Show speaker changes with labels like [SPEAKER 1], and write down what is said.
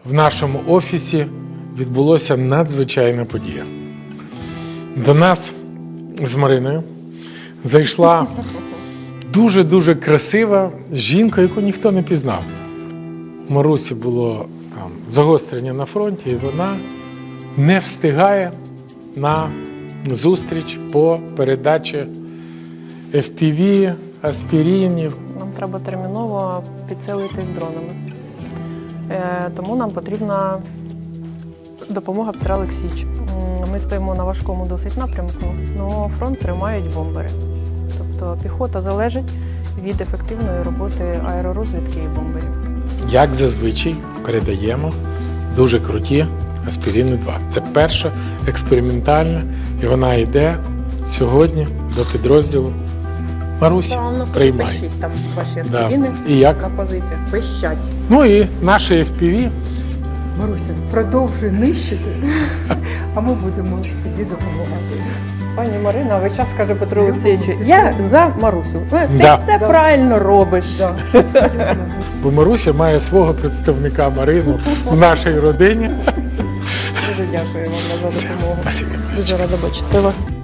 [SPEAKER 1] в нашому офісі відбулася надзвичайна подія. До нас з Мариною зайшла дуже-дуже красива жінка, яку ніхто не пізнав. У Марусі було там загострення на фронті, і вона не встигає на зустріч по передачі FPV, аспіринів.
[SPEAKER 2] Нам треба терміново підсилитись дронами. Тому нам потрібна допомога Петра Олексійовича. Ми стоїмо на важкому досить напрямку, але фронт тримають бомбери. Тобто піхота залежить від ефективної роботи аеророзвідки і бомберів.
[SPEAKER 1] Як зазвичай передаємо дуже круті аспірини 2. Це перша експериментальна, і вона йде сьогодні до підрозділу Марусі. Приймай.
[SPEAKER 2] Пищить там ваші аспірини
[SPEAKER 1] І як?
[SPEAKER 2] на позиціях. Пищать.
[SPEAKER 1] Ну і наші FPV.
[SPEAKER 3] Маруся, продовжуй нищити, а ми будемо тоді допомагати.
[SPEAKER 2] Пані Марина, весь час каже Петру Олексійовичу, я за Марусю. Ти
[SPEAKER 1] Да.
[SPEAKER 2] все правильно робиш.
[SPEAKER 3] Да, абсолютно.
[SPEAKER 1] Бо Маруся має свого представника Марину в нашій родині.
[SPEAKER 2] Дуже дякую вам за допомогу.
[SPEAKER 1] Спасибо.
[SPEAKER 2] Дуже рада бачити вас.